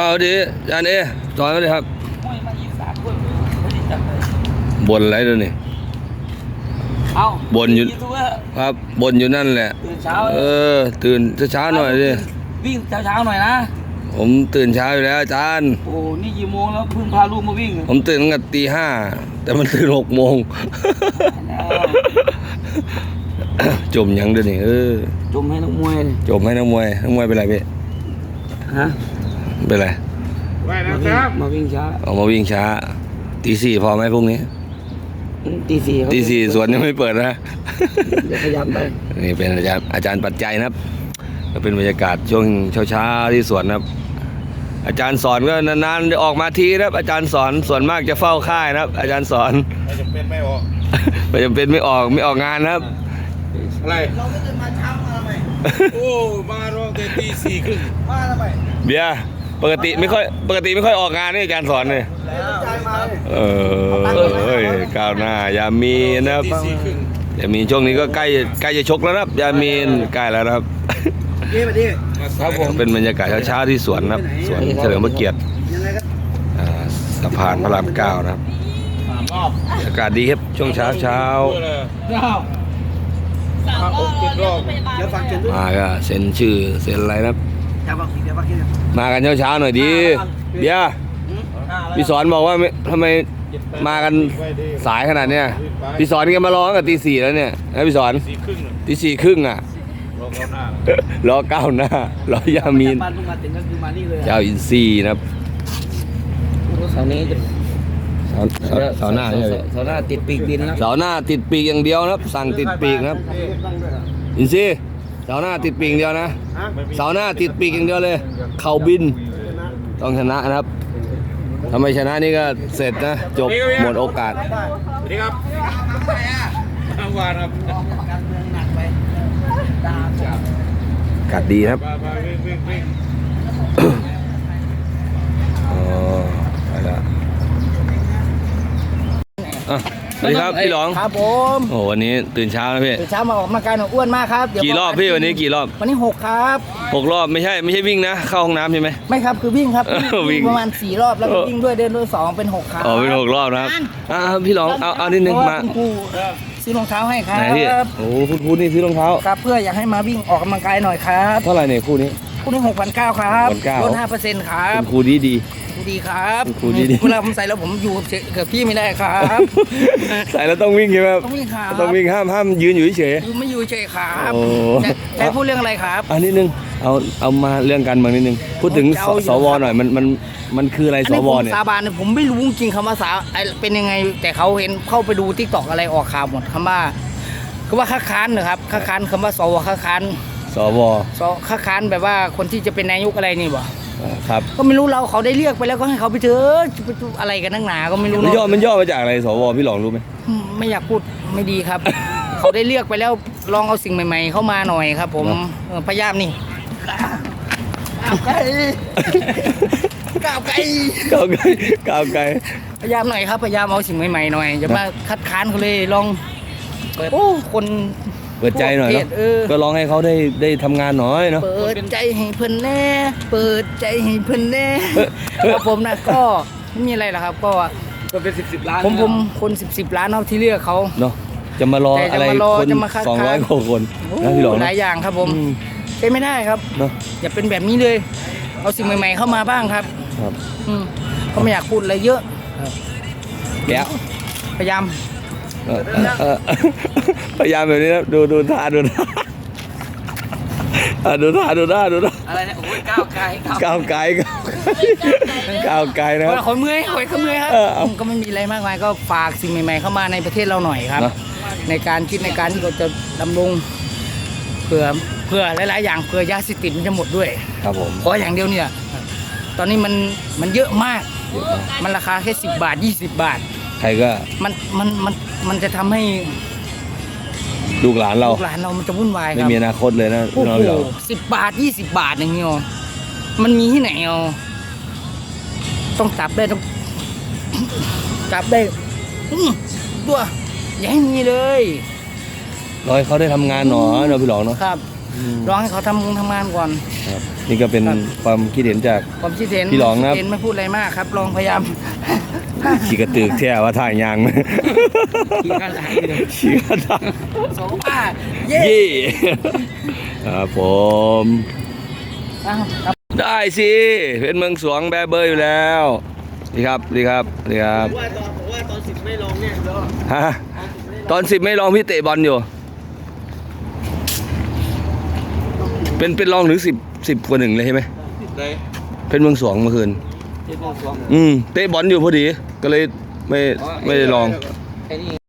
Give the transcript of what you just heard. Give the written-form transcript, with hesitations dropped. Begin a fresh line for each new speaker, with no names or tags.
เอาดิอาจารย์สอนมาเลยครับบนอะไรด้วยนี่บนอยู่ครับบนอยู่นั่นแหละตื่นเช้าหน่อยดิ
วิ่งเช้าหน่อยนะ
ผมตื่นเช้าอยู่แล้วอาจารย์
โอ้นี่กี่โมงแล้วเพิ่งพาลูกมาวิ่ง
ผมตื่นตั้งแต่ตี 5แต่มันตื่น6 โมงจมยังด้วยนี่
จมให้นักมวย
จมให้นักมวยเป็นไรพี่
ฮะ
เป็นไร
มาวิ่งช้า
ออกมาวิ่งช้าตี 4พอไหมพรุ่งนี้ตี 4สวนยังไม่เปิดนะ
เดี๋ยวขยับไป
นี่เป็นอาจารย์ปัจจัยนะครับก็เป็นบรรยากาศช่วงเช้าที่สวนนะครับอาจารย์สอนก็นานๆจะออกมาทีนะครับอาจารย์สอนส่วนมากจะเฝ้าค่ายนะครับอาจารย์สอน
ไม่จำเป็นไม่ออก
ไม่ออกงานนะครับ
อะไรเราไม่ตื่นมาเช้ามาทำไมโอ้มาร้องแต่ตี 4 ครึ่งมาทำไม
เบียร์ปกติไม่ค่อยออกงานนี่อาจารย์สอนเลยก้าวหน้ายามีนะครับยามีช่วงนี้ก็ใกล้จะชกแล้วนะครับยามีใกล้แล้วนะครับ
ครับผม
เป็นบรรยากาศเช้าที่สวนนะครับสวนเฉลิมพระเกียรติสะพานพระราม 9นะครับอากาศดีครับช่วงเช้ามาก็เซ็นชื่อเซ็นอะไรนะครับมากันเช้าหน่อยดีเบียร์พี่สอนบอกว่าทำไมมากันสายขนาดเนี้ยพี่สอนก็มาร้องกับตี 4แล้วเนี่ยนะพี่สอนตี 4 ครึ่งอ่ะรอก้าวหน้ารอยามีนเจ้าอินซีนะครับ
เสานี้
เสาหน้าใช่ไหม
เสาหน้าติดปีกดินนะ
เสาหน้าติดปีกอย่างเดียวนะครับสั่งติดปีกนะครับอินซีเสาหน้าติดปีกเดียวนะเสาหน้าติดปีกอย่างเดียวเลยเข่าบินต้องชนะนะครับถ้าไม่ชนะนี่ก็เสร็จนะจบหมดโอกาส
สวัสดีครับวานครับ
กัดดีครับไปแล้วสวัสดีครับพี่หลอง
ครับผม
โอ้วันนี้ตื่นเช้านะพี่
ตื่นเช้ามาออกกำลังกายหน่อยอ้วนมากครับ
กี่รอบพี่วันนี้กี่รอบ
วันนี้6ครับ
6 รอบไม่ใช่วิ่งนะเข้าห้องน้ำใช่ไหม
ไม่ครับคือวิ่งครับวิ่งประมาณ4 รอบแล้วก็วิ่งด้วยเดินด้วย2เป็น6ครับ
อ๋อเป็น6 รอบนะครับพี่หลองเอานิดนึงมา
ซื้อรองเท้าให้ครับ
โอ้คุณครูนี่ซื้อรองเท้า
ครับเพื่ออยากให้มาวิ่งออกกำลังกายหน่อยครับ
เท่าไหร่เนี่ยคู่นี้
6,900ครับลด 5% ครับ
คุณครูดี
ครับครูดีเวลาผมใส่แล้วผมอยู่กับพี่ไม่ได้ครับ
ใส่แล้วต้องวิ่งใช่ไหม
ต้องวิ่งครับ
ต้องวิ่งห้ามยืนอยู่เฉย
ไม่อยู่เฉยครับแต่พูดเรื่องอะไรครับ
นิดนึงเอามาเรื่องการเมืองนิดนึงพูดถึงสวหน่อยมันคืออะไรสวเนี่ย
สาบานผมไม่รู้จริงคำว่าเป็นยังไงแต่เขาเห็นเข้าไปดูTikTokอะไรออกข่าวหมดคำว่าค้าค้านนะครับค้าค้านคำว่าสวค้าค้าน
สว
ค้าค้านแบบว่าคนที่จะเป็นนายกอะไรนี่บ่
ครับ
ก็ไม่รู้เขาได้เรียกไปแล้วก็ให้เขาไปเถอะอะไรกันนักหนาก็ไม่รู้
มันย่อมาจากอะไรสวพี่หลองรู้ไหม
ไม่อยากพูดไม่ดีครับ เขาได้เรียกไปแล้วลองเอาสิ่งใหม่ๆเข้ามาหน่อยครับผมพยายามนี่ก้าวไกลพยายามหน่อยครับพยายามเอาสิ่งใหม่ๆหน่อยอย่ามาคัดค้านเขาเลยลองคน
เปิดใจหน่อยก็ลองให้เขาได้ทำงานหน่อยเนาะ
เปิดใจให้เพิ่นแน่ครับผมนะก็ไม่มีอะไรหรอกครับก็
เป็น10 ล้าน
ผมคน10 ล้านเอาที่เลือกเขา
เนาะจะมารออะไรคน200 กว่าคน
นะพี่หลองหลายอย่างครับผมเป็นไม่ได้ครับ
เนาะ
อย่าเป็นแบบนี้เลยเอาสิ่งใหม่ๆเข้ามาบ้างครับเขาไม่อยากพูดอะไรเยอะ
แล้ว
พยายาม
แบบนี้นะดูท่าอะไรเนี่ยโอ้ยก้าวไกลนะครับ
ขอเมื่อยครับก็ไม่มีอะไรมากมายก็ฝากสิ่งใหม่ๆเข้ามาในประเทศเราหน่อยครับในการคิดในการที่เราจะดำรงเพื่อหลายๆอย่างเพื่อยาเสพติดมันจะหมดด้วย
ครับผม
เพราะอย่างเดียวเนี่ยตอนนี้มันเยอะมากมันราคาแค่10 บาท20 บาท
ใครก็
มันจะทำให้
ลูกหลานเรา
มันจะวุ่นวายครับ
ไม่มีอนาคตเลยนะ
น้องเรา10 บาท20 บาทอย่างเงี้ยมันมีที่ไหนต้องจับได้ตัวอย่าให้มีเลย
รอให้เขาได้ทำงานหน่อยพี่หลองเนาะ
ครับลองให้เขาทำงานก่อน
ครับนี่ก็เป็นความคิดเห็นจาก
ความคิดเห็น
พี่หลองนะครับ
คิดเห็นไม่พูดอะไรมากครับ ลองพยายาม
ขี่กระตือกแท้ว่าถ่ายยางไหม
ขี่กันไหลเลย
ขี่กระตือก
สองป้าเย่
ยี่ครับผม
อ้าวครับ
ได้สิเป็นเมืองสวงแบเบอร์อยู่แล้วดีครับดีครับดีครับ
ว่าตอน10ไม่ลองเนี่ยเดี๋ยว
ฮะตอน10ไม่ลองพี่เตะบอลอยู่ เป็นลองถึง10 กว่า1เลยใช่ไหม
ได้
เป็นเมืองสวงเมื่อคืน
เจ็ดโมงสอง
เตะบอลอยู่พอดีก็เลยไม่ได้ลอง
ไอ้นี่